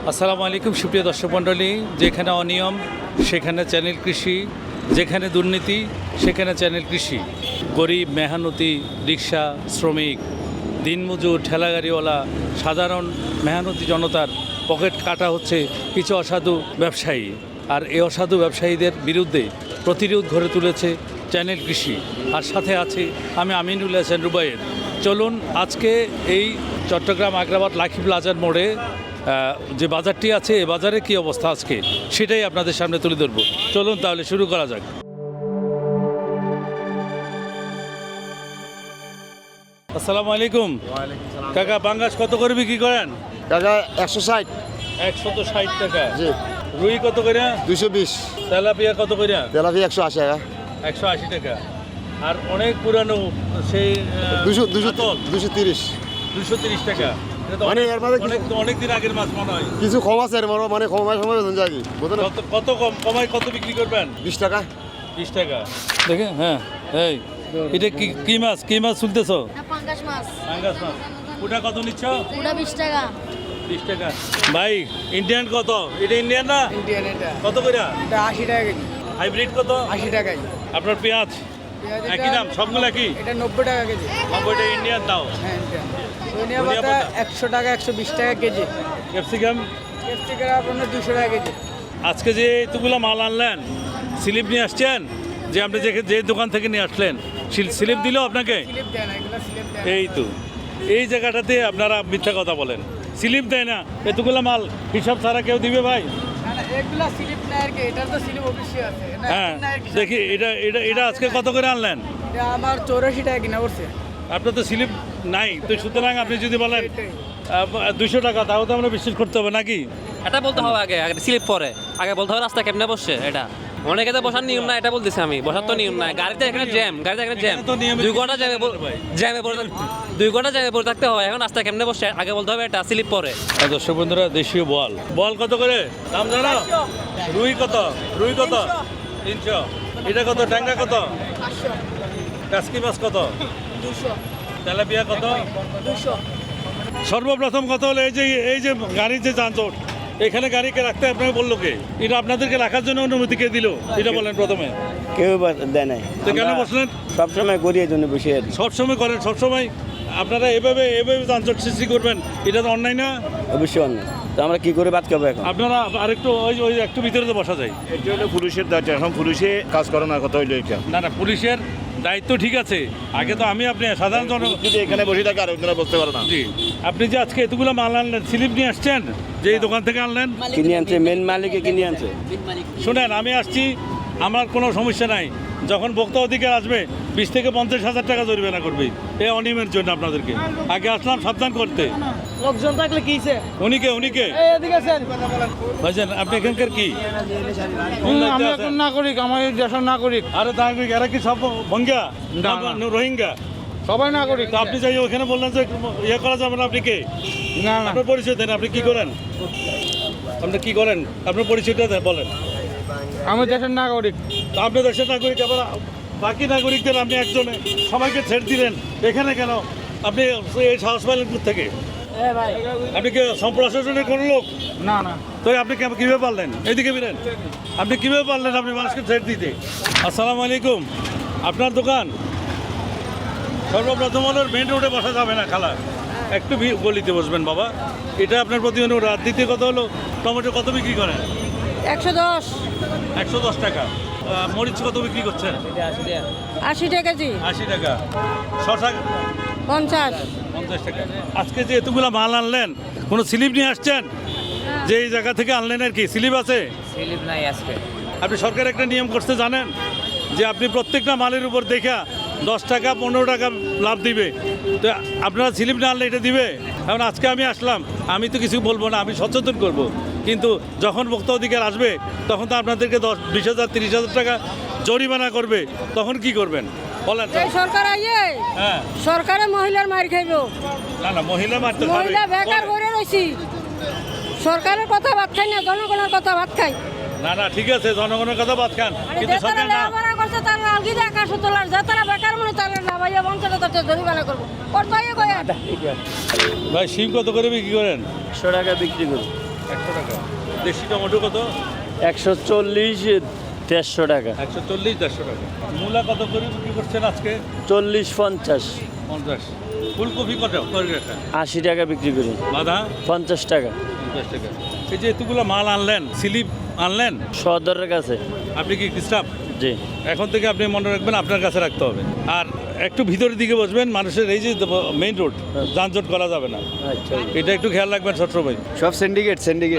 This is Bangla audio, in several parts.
আসসালামু আলাইকুম সুপ্রিয় দর্শক মণ্ডলী। যেখানে অনিয়ম সেখানে চ্যানেল কৃষি, যেখানে দুর্নীতি সেখানে চ্যানেল কৃষি। গরিব, মেহনতি, রিক্সা শ্রমিক, দিনমজুর, ঠেলাগাড়িওয়ালা, সাধারণ মেহনতি জনতার পকেট কাটা হচ্ছে কিছু অসাধু ব্যবসায়ী। আর এই অসাধু ব্যবসায়ীদের বিরুদ্ধে প্রতিরোধ গড়ে তুলেছে চ্যানেল কৃষি। আর সাথে আছে আমি আমিনুল হাসান রুবায়ের। চলুন আজকে এই চট্টগ্রাম আগ্রাবাদ লাকি প্লাজার মোড়ে যে বাজারটি আছে এই বাজারে কী অবস্থা আজকে সেটাই আপনাদের সামনে তুলে ধরবো। চলুন তাহলে শুরু করা যাক। আসসালামু আলাইকুম কাকা, বাঙ্গাস কত করে বিক্রি করেন? টাকা 160। 160 টাকা। জি। রুই কত করে? 220। তেলাপিয়া কত করে? তেলাপিয়া 180 টাকা। 180 টাকা। আর অনেক পুরানো সেই 230। 230 টাকা। এটা তো মানে এর মধ্যে অনেক দিন আগের মাছ মনে হয়। কিছু কম আছে এর মধ্যে, মানে কমায় সময় বেতন যায় কি বুঝলেন? কত কম কমায় কত বিক্রি করবেন? 20 টাকা। 20 টাকা দেখে। হ্যাঁ, এই এটা কি মাছ? কি মাছ তুলতেছো? পাঙ্গাস মাছ। পাঙ্গাস মাছ। ওটা কত নিচ্ছ? ওটা 20 টাকা। 20 টাকা। ভাই ইন্ডিয়ান কত? এটা ইন্ডিয়ান না? ইন্ডিয়ান এটা কত করে? এটা 80 টাকা কেজি। হাইব্রিড কত? 80 টাকাই। আপনার পেঁয়াজ পেঁয়াজ একই দাম? সবগুলো কি? এটা 90 টাকা কেজি। 90টা ইন্ডিয়ান দাও। হ্যাঁ ইন্ডিয়ান। ধনিয়া ধনিয়া পাতা পাতা 100 টাকা 120 টাকা কেজি। ক্যাপসিকাম ক্যাপসিকাম আপনার 200 টাকা কেজি। আজকে যে এতগুলো মাল আনলেন, স্লিপ নিয়ে আসছেন? যে আপনি যে দোকান থেকে নিয়ে আসলেন স্লিপ দিল আপনাকে? স্লিপ দেয় না, এগুলো স্লিপ দেয় না। এই তো এই জায়গাটাতে আপনারা মিথ্যা কথা বলেন, স্লিপ দেয় না। এতগুলো মাল হিসাব ছাড়া কেউ দিবে ভাই? না না, এগুলো স্লিপ নেয় আর কি, এটার তো স্লিপ অবশ্যই আছে। না, হ্যাঁ না, এর দেখি এটা এটা এটা আজকে কত করে আনলেন? এটা আমার 84 টাকা কিনা পড়ছে। আপনার তো স্লিপ নাই, তো সুতরাং আপনি যদি বলেন এটাই। 200 টাকা, তাও তো আমরা বিশ্বাস করতে হবে নাকি? এটা বলতে হবে আগে আগে স্লিপ পরে আগে বলতে হবে রাস্তা কেমনে বসছে। এটা অনেকে তো বসার নিয়ম না, এটা বলতেছি আমি। বসার তো নিয়ম নাই। গাড়িতে এখানে জ্যাম, গাড়িতে এখানে জ্যাম। এখানে তো নিয়মিত 2 ঘন্টা জ্যামে ভাই। জ্যামে পড়ে 2 ঘন্টা জ্যামে পড়ে থাকতে হয়। এখন রাস্তা কেমনে বসছে আগে বলতে হবে, এটা স্লিপ পরে। দর্শক বন্ধুরা, দেশীয় বল কত করে দাম জানো? রুই কত? রুই কত? 300। এটা কত? ট্যাংরা কত? 500। কাসকি মাছ কত? 200। তেলাপিয়া কত? 200। সর্বপ্রথম কথা হলো এই যে গাড়ির যে যানজট, এখানে গাড়িকে রাখতে আপনাকে বললো কে? এটা আপনাদেরকে রাখার জন্য অনুমতি কে দিল এটা বলেন প্রথমে। কেউ দেয় নাই। তো কেন বসলেন? সবসময় করি এই জন্য বসে আছি। সবসময় করেন, সবসময় আপনারা এভাবে যানজট সৃষ্টি করবেন, এটা তো অন্যায় না? অবশ্যই অন্যায়। তো আমরা কি করে বাদ খাবো এখন? আপনারা আরেকটু ওই একটু ভিতরে তো বসা যায়। এটা হলো পুলিশের দায়িত্ব, এখন পুলিশে কাজ করে না, কথা হইলো এটা। না পুলিশের দায়িত্ব ঠিক আছে, আগে তো আপনি সাধারণ জন যদি এখানে বসে থাকে আর অন্যরা বসতে পারে না। জি। আপনি যে আজকে এতগুলো মাল আনলেন, স্লিপ নিয়ে আসছেন যে এই দোকান থেকে আনলেন? কিনে আনছে, মেন মালিকে কিনে আনছে। শুনেন, আমি আসছি, আমার কোনো সমস্যা নাই। যখন ভোক্তা অধিকার আসবে 20 থেকে 50,000 টাকা জরিমানা করবে এই অনিয়মের জন্য আপনাদেরকে। আগে আসলাম সাবধান করতে। লোকজন থাকলে কিছে? উনিকে এই এদিকে আছেন। ভাইজান, আপনি এখানকার কি? আমি এখন নাগরিক, আমার এই দেশের নাগরিক। আরে নাগরিক, এরা কি সব ভঙ্গা রোহিঙ্গা? সবাই নাগরিক। তো আপনি যাই ওখানে বললেন যে ইয়ে করা যাবে না, আপনি কে? না না, আপনার পরিচয় দেন, আপনি কি করেন? আপনি কি করেন? আপনার পরিচয়টা দেন, বলেন। আমি দেশের নাগরিক। তো আপনি দেশের নাগরিক, আবার বাকি নাগরিকদের আপনি একজনে সবাইকে ছেড়ে দিলেন এখানে কেন? আপনি এই সাহস পাইলেন থেকে? আপনি কি সম্প্রশাসনের কোনো লোক? না না, তো আপনি কীভাবে পারলেন? এইদিকে বেরেন, আপনি কীভাবে পারলেন আপনি মানুষকে ছেড়ে দিতে? আসসালামু আলাইকুম। আপনার দোকান সর্বপ্রথম হলো মেন রোডে বসা যাবে না, খালা একটু গলিতে বসবেন বাবা, এটা আপনার প্রতি অনুরোধ। আর দ্বিতীয় কথা হলো, টমেটো কত বিক্রি করেন? 110। 110 টাকা। মরিচ কত বিক্রি করছেন? 80 টাকা কেজি। 80 টাকা। শশা 50। 50 টাকা। আজকে যে এতগুলো মাল আনলেন, কোনো স্লিপ নিয়ে আসছেন যে এই জায়গা থেকে আনলেন? আর কি স্লিপ আছে? স্লিপ নাই আজকে। আপনি সরকার একটা নিয়ম করতে জানেন যে আপনি প্রত্যেকটা মালের উপর দেখা 10 টাকা 15 টাকা লাভ দিবে। তো আপনারা স্লিপ না আনলে এটা দিবে? এখন আজকে আমি আসলাম, আমি তো কিছু বলবো না, আমি সচেতন করব। কিন্তু যখন ভোক্তা অধিকার আসবে তখন তো আপনাদেরকে 20,000 30,000 টাকা জরিমানা করবে, তখন কি করবেন বলেন? এই সরকার আইয়ে হ্যাঁ, সরকারে মহিলার মার খাইবো। না মহিলা মারতে পারবে। মহিলা বেকার করে রয়েছি, সরকারের কথা ভাত খাই না, জনগণের কথা ভাত খাই। না ঠিক আছে, জনগণের কথা বাদ খান, কিন্তু সরকার না। লেখাপড়া করছে তারা আলগি দিয়ে আকাশ তোলার, যে তারা বেকার মনে তারা না ভাইয়া 50,000 টাকা জরিমানা করবো। করতে কয়ে ভাই শিম কত করে বিক্রি করেন? 100 টাকা বিক্রি করি। 100 টাকা। দেশি টমেটো কত? 140, 150 টাকা। 140, 150 টাকা। মূলা কত করে বিক্রি করছেন আজকে? 40, 50, 50। ফুলকপি কত করে রাখা? 80 টাকা বিক্রি করি। বাঁধা 50 টাকা। 50 টাকা। এই যে এতগুলো মাল আনলেন, স্লিপ আনলেন, সদরের কাছে। আপনি কি স্টাফ? জি। এখন থেকে আপনি মনে রাখবেন আপনার কাছে রাখতে হবে। আর একটু ভিতরের দিকে বসবেন, মানুষের এই যে মেইন রোড, যানজট করা যাবে না, আচ্ছা। এটা একটু খেয়াল রাখবেন সবসময়। সব সিন্ডিকেট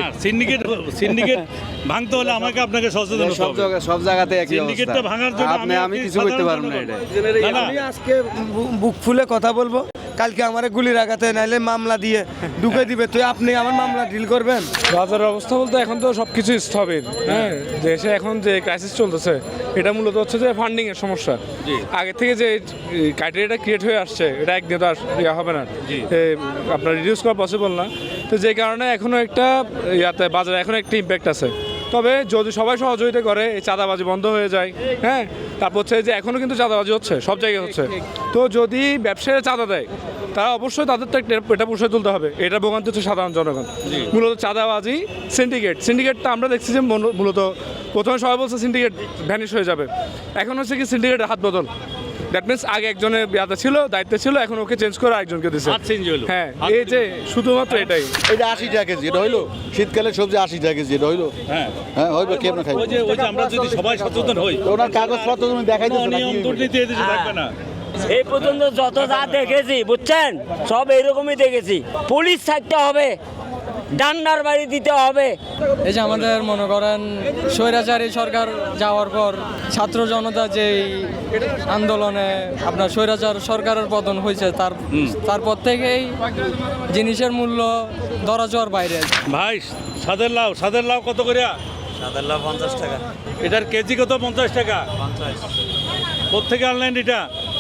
সিন্ডিকেট ভাঙতে হলে আমাকে আপনাকে সচেতন হতে হবে। সব জায়গাতে একই সিন্ডিকেটটা অবস্থা। ভাঙার জন্য আমি কিছু করতে পারবো না এটা। না, না, আমি আজকে বুক ফুলে কথা বলবো, কালকে আমার গুলির আঘাতে নাইলে মামলা দিয়ে ঢুকে দিবে, তো আপনি আমার মামলা ডিল করবেন? বাজারের অবস্থা বলতে এখন তো সব কিছু স্থবির। হ্যাঁ, দেশে এখন যে ক্রাইসিস চলতেছে এটা মূলত হচ্ছে যে ফান্ডিং এর সমস্যা। আগে থেকে যে ক্রাইটেরিয়াটা ক্রিয়েট হয়ে আসছে এটা একদিন তো আর ইয়া হবে না, আপনার রিডিউস করা পসিবল না। তো যে কারণে এখনো একটা ইয়াতে বাজারে এখন একটা ইম্প্যাক্ট আছে। তবে যদি সবাই সহযোগিতা করে এই চাঁদাবাজি বন্ধ হয়ে যায়, হ্যাঁ, তারপর হচ্ছে যে এখনও কিন্তু চাঁদাবাজি হচ্ছে, সব জায়গায় হচ্ছে। তো যদি ব্যবসায়ীরা চাঁদা দেয় তারা অবশ্যই তাদের তো এটা পুষে তুলতে হবে। এটা ভোগান্তি হচ্ছে সাধারণ জনগণ। মূলত চাঁদাবাজি, সিন্ডিকেটটা আমরা দেখছি যে মূলত প্রথমে সবাই বলছে সিন্ডিকেট ভ্যানিশ হয়ে যাবে, এখন হচ্ছে কি সিন্ডিকেটের হাত বদল। দ্যাট মিনস আগে একজনের ইয়াতে ছিল, দায়িত্বে ছিল, এখন ওকে চেঞ্জ করে আরেকজনকে দিচ্ছে। হ্যাঁ, এই যে শুধুমাত্র এটাই। এটা 80 টাকা কেজি, এটা হইলো শীতকালে সবজি 80 টাকা কেজি, এটা হইলো। হ্যাঁ, হ্যাঁ হইলো, কেমন খাই? ওই যে আমরা যদি সবাই সচেতন হই, ওনার কাগজপত্র তুমি দেখাইতেছো না, নিয়ম দুর্নীতি এদেশে থাকবে না। এই পর্যন্ত যত যা দেখেছি বুঝছেন সব এরকমই দেখেছি। পুলিশ থাকতে হবে, ডান্ডার বাড়ি দিতে হবে। এই যে আমাদের মনে করেন স্বৈরাচারী সরকার যাওয়ার পর ছাত্র জনতা যেই আন্দোলনে আপনার স্বৈরাচার সরকারের পতন হয়েছে, তারপর থেকেই জিনিসের মূল্য ধরা ছোঁয়ার বাইরে। ভাই সাদের লাউ কত করে? সাদার লাভ 50 টাকা। এটার কেজি কত? 50 টাকা। 50। কোথেকে আনলেন এটা?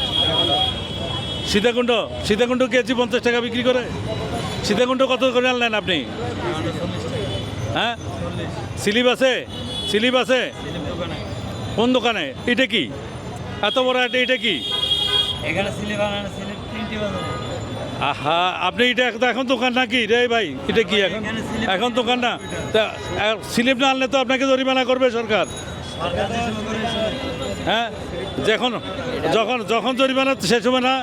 সীতাকুণ্ড কেজি 50 টাকা বিক্রি করে। সীতাকুণ্ড কত করে আনলেন আপনি? হ্যাঁ, স্লিপ আছে কোন দোকানে? এটা কি এত বড়? এটা কি? এখানে স্লিপ আনানো, স্লিপ প্রিন্টই বানানো। আহা, আপনি এটা এখন দোকান নাকি রে ভাই? এটা কি এখন দোকান না? তা স্লিপ না আনলে তো আপনাকে জরিমানা করবে সরকার। হ্যাঁ, যখন জরিমানা শেষ হবে না।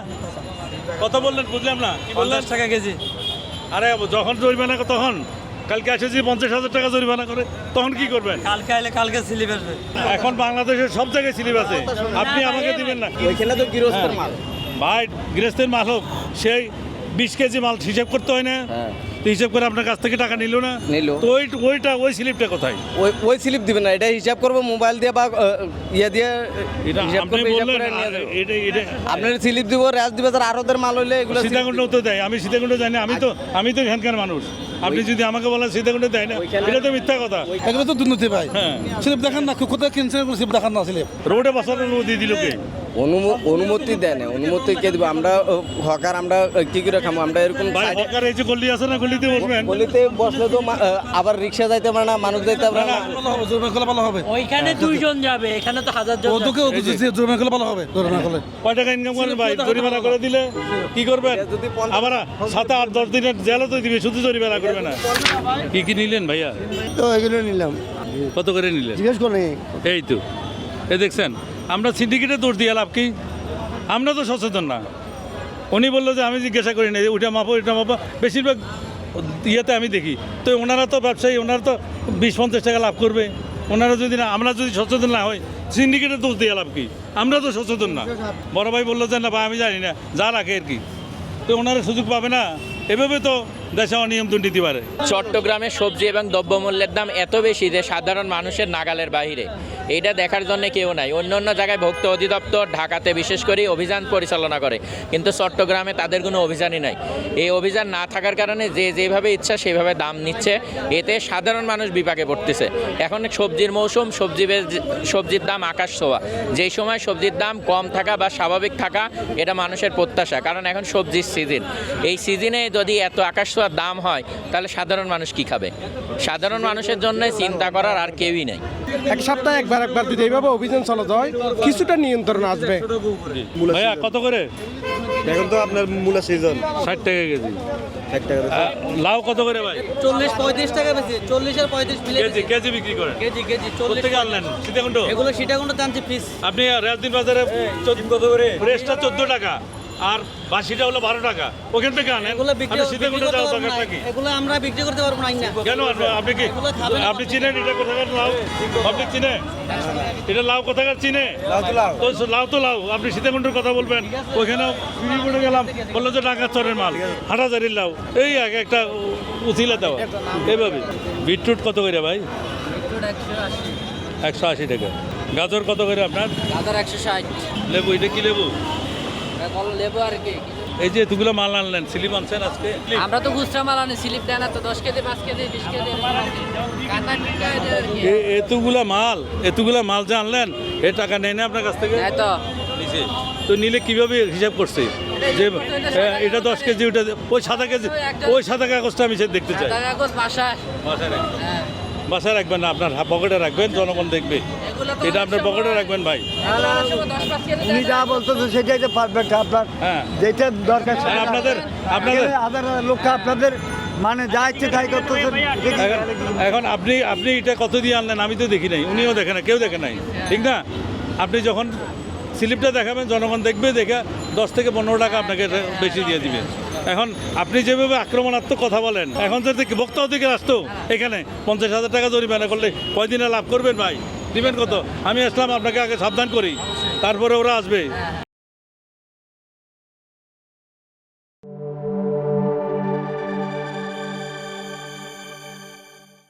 কত বললেন বুঝলাম না, কি বললেন? 50 টাকা কেজি। আরে যখন জরিমানা তখন কালকে আসে যে 50,000 টাকা জরিমানা করে, তখন কি করবেন? কালকে আইলে কালকে স্লিপ আসবে। এখন বাংলাদেশের সব জায়গায় স্লিপ আছে, আপনি আমাকে দিবেন না? ওইখানে তো গৃহস্থের মাল। ভাই গৃহস্থের মাল হোক, সেই 20 কেজি মাল হিসাব করতে হয় না? তো হিসাব করে আপনার কাছ থেকে টাকা নিল না? তো ওই স্লিপটা কোথায়? ওই স্লিপ দিবেন না, এটা হিসাব করবো মোবাইল দিয়ে বা ইয়ে দিয়ে এটা হিসাব আপনি করবে, হিসাব বললেন করে নিয়ে যাবে। এটা আপনার স্লিপ দিব, র্যাস দিবে, তার আরোদের মাল হইলে এগুলো সীতাকুণ্ড তো দেয়। আমি সীতাকুণ্ড জানি, আমি তো এখানকার মানুষ। আপনি যদি আমাকে বলেন সীতাকুণ্ড দেয় না, এটা তো মিথ্যা কথা। এগুলো তো দুর্নীতি ভাই। হ্যাঁ, স্লিপ দেখান না, কোথায় কিনছেন স্লিপ দেখান না। স্লিপ রোডে বসানোর অনুমতি দিল কে? অনুমতি দেয় না, অনুমতি কে দিব? আমরা হকার, আমরা কি করে খাবো? আমরা এরকম ভাই সরকার এই যে গল্লি আছে না, গল্লিতে বসবেন। গলিতে বসলে তো আবার রিক্সা যাইতে পারে না, মানুষ যাইতে পারে না। ভালো হবে। ওইখানে 2 জন যাবে, এখানে তো 1000 জন। ওদেরকে জরিমানা করলে ভালো হবে। জরিমানা করলে কয় টাকা ইনকাম করেন ভাই? জরিমানা করে দিলে কি করবেন? আবার 7-8-10 দিনের জেলও তো দিবে, শুধু জরিমানা করবে না। কি নিলেন ভাইয়া? তো এগুলো নিলাম। কত করে নিলেন? জিজ্ঞেস করি। এই তো দেখছেন, আমরা সিন্ডিকেটে দৌড় দিয়ে লাভ কি? আমরা তো সচেতন না। উনি বললো যে আমি জিজ্ঞাসা করি না, ওইটা মাপো এটা মাপো। বেশিরভাগ ইয়েতে আমি দেখি তো ওনারা তো ব্যবসায়ী, ওনারা তো 20-50 টাকা লাভ করবে। ওনারা যদি না, আমরা যদি সচেতন না হই, সিন্ডিকেটে দোষ দিয়ে লাভ কি? আমরা তো সচেতন না। বড় ভাই বললো যে না ভাই আমি জানি না, যা রাখে আর কি, তো ওনারা সুযোগ পাবে না। এভাবে তো দেশে অনিয়ম দুর্নীতি বাড়ে। চট্টগ্রামে সবজি এবং দ্রব্যমূল্যের দাম এত বেশি যে সাধারণ মানুষের নাগালের বাইরে। এইটা দেখার জন্য কেউ নাই। অন্য অন্য জায়গায় ভোক্তা অধিদপ্তর ঢাকাতে বিশেষ করে অভিযান পরিচালনা করে, কিন্তু চট্টগ্রামে তাদের কোনো অভিযানই নাই। এই অভিযান না থাকার কারণে যে যেভাবে ইচ্ছা সেভাবে দাম নিচ্ছে, এতে সাধারণ মানুষ বিপাকে পড়তেছে। এখন সবজির মৌসুম, সবজির দাম আকাশ ছোঁয়া। যেই সময় সবজির দাম কম থাকা বা স্বাভাবিক থাকা এটা মানুষের প্রত্যাশা, কারণ এখন সবজির সিজন। এই সিজনে যদি এত আকাশ ছোঁয়ার দাম হয় তাহলে সাধারণ মানুষ কি খাবে? সাধারণ মানুষের জন্য চিন্তা করার আর কেউই নেই। এক সপ্তাহে একবার যদি এইভাবে অভিযান চালাতে হয় কিছুটা নিয়ন্ত্রণ আসবে। ভাইয়া কত করে? এখন তো আপনার মূলা সিজন 60 টাকা কেজি। 1 টাকা লাউ কত করে ভাই? 40-35 টাকা বেশি, 40 আর 35 মিলে কেজি কেজি বিক্রি করেন? কেজি কোথেকে আনলেন? সীতাকুণ্ড? এগুলো সীতাকুণ্ড টানছি পিস। আপনি রাজদিন বাজারে 14 কত করে? ফ্রেশটা 14 টাকা আর বাসিটা হলো 12 টাকা। ওখান থেকে আনেন। এগুলো বিক্রি আপনি সীতাকুণ্ড করতে যাওয়ার পারবো দরকার না। নাকি? এগুলো আমরা বিক্রি করতে পারবো না না। কেন আপনি কি এগুলো খাবে না। আপনি চিনেন এটা কোথাকার লাউ? আপনি চিনে? এটা লাউ কোথাকার চিনে? তো লাউ তো লাউ। আপনি সীতাকুণ্ডের কথা বলবেন, ওইখানেও ফিরি পড়ে গেলাম, বললো যে ঢাকা চরের মাল, হাটাজারির লাউ, এই এক একটা উথিলা দেওয়া এইভাবে। বিটরুট কত করে ভাই? 180 টাকা। গাজর কত করে আপনার? গাজর 160। লেবু, এটা কি লেবু? লেবু আর কি? এই যে এতগুলো মাল আনলেন, স্লিপ আনছেন আজকে? আমরা তো খুচরা মাল আনি, স্লিপ দেয় না তো, 10 কেজি 5 কেজি 20 কেজি কাটা এতগুলা মাল যে আনলেন, এ টাকা নেয় না আপনার কাছ থেকে? তো নিচে তো নিলে কিভাবে হিসাব করছে যে এটা 10 কেজি, ওটা ওই সাদা কেজি, ওই সাদা কাগজটা আমি সে দেখতে চাই। কাগজ বাসায়। বাসায় রাখবেন না, আপনার পকেটে রাখবেন, জনগণ দেখবে। এটা আপনার পকেটে রাখবেন ভাই। উনি যা বলতেছে সেটাই তো পারফেক্ট। আপনার হ্যাঁ, যেটা দরকার আর আপনাদের হাজার লোককে আপনাদের মানে যা ইচ্ছে তাই করতেছেন। এখন আপনি এটা কত দিয়ে আনলেন? আমি তো দেখি নাই, উনিও দেখে না, কেউ দেখে নাই, ঠিক না? আপনি যখন স্লিপটা দেখাবেন, জনগণ দেখবে, দেখে 10 থেকে 15 টাকা আপনাকে বেশি দিয়ে দিবে। এখন আপনি যেভাবে আক্রমণাত্মক কথা বলেন, এখন যদি বক্তা অধিকার আসতো এখানে 50,000 টাকা জরিমানা করলে কয়দিনে লাভ করবেন ভাই? দিবেন কত? আমি আসলাম আপনাকে আগে সাবধান করি, তারপরে ওরা আসবে।